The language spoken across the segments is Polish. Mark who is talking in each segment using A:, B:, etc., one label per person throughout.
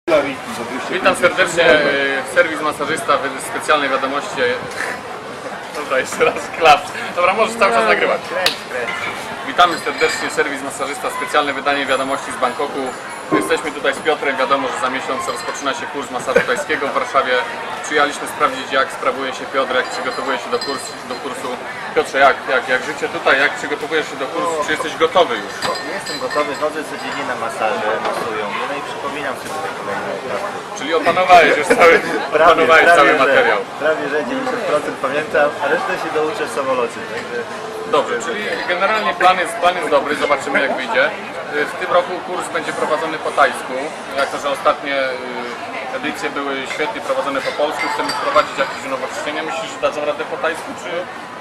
A: Witam serdecznie, serwis masażysta w specjalnej wiadomości. Dobra, jeszcze raz klaps. Dobra, możesz cały czas nagrywać. Witamy serdecznie, serwis masażysta, specjalne wydanie wiadomości z Bangkoku. Jesteśmy tutaj z Piotrem, wiadomo, że za miesiąc rozpoczyna się kurs masażu tajskiego w Warszawie. Przyjechaliśmy sprawdzić, jak sprawuje się Piotr, jak przygotowuje się do kursu. Piotrze, jak życie tutaj, jak przygotowujesz się do kursu, czy jesteś gotowy już?
B: Nie jestem gotowy, chodzę codziennie na masaże, masują mnie, no i przypominam sobie te kolejne etapy.
A: Czyli opanowałeś już cały materiał.
B: Prawie, że 90% pamiętam, a resztę się douczę w samolocie, także...
A: Dobrze, czyli generalnie plan jest dobry, zobaczymy jak wyjdzie. W tym roku kurs będzie prowadzony po tajsku, jako że ostatnie edycje były świetnie prowadzone po polsku. Chcemy wprowadzić jakieś unowocześnienia. Myślisz, że dadzą radę po tajsku, czy...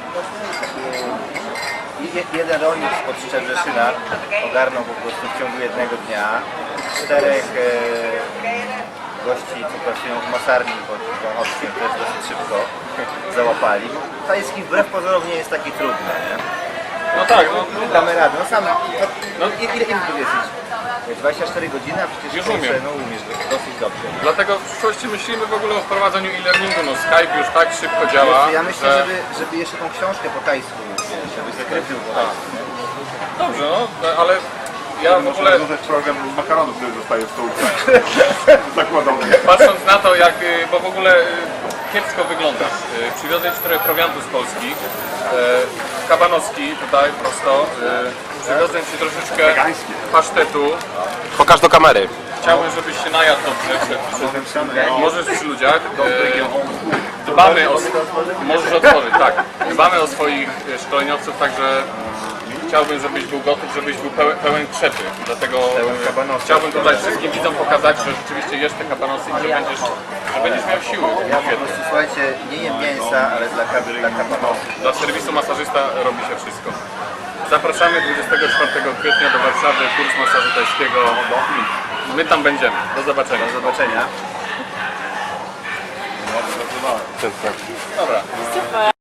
B: Jeden rolnik spod Szczebrzeszyna ogarnął po prostu w ciągu jednego dnia 4 gości, co pracują w masarni pod Wąchowskiem, też dosyć szybko załapali. Tajski wbrew pozorom nie jest taki trudny, nie?
A: No tak, no
B: Damy radę, no sam, ile tu jesteś? 24 godziny, a przecież
A: Już umiem.
B: No umiesz dosyć dobrze.
A: Dlatego w przyszłości myślimy w ogóle o wprowadzeniu e-learningu. No Skype już tak szybko działa,
B: Ja myślę, żeby jeszcze tą książkę po tajsku, żeby zakrypił po tajsku.
A: Dobrze, no, ale ja w ogóle...
C: program makaronów, który zostaje w stołówce. Zakładowy.
A: Patrząc na to, jak, bo w ogóle kiepsko wyglądasz. Przywiozłem ci trochę prowiantu z Polski. Kabanowski tutaj prosto. Przywiozłem ci troszeczkę pasztetu.
D: Pokaż do kamery.
A: Chciałbym, żebyś się najadł dobrze. Możesz przy ludziach. Dbamy o... Możesz otworzyć, tak. Dbamy o swoich szkoleniowców, także chciałbym, żebyś był gotów, żebyś był pełen krzepy. Dlatego chciałbym tutaj wszystkim widzom pokazać, że rzeczywiście jesz te kabanosy i że będziesz miał siły.
B: Ja po prostu, słuchajcie, nie jem mięsa, ale dla kabanosów.
A: Dla serwisu masażysta robi się wszystko. Zapraszamy 24 kwietnia do Warszawy, kurs masażu tajskiego. My tam będziemy. Do zobaczenia.
B: Do zobaczenia.
A: Dobra.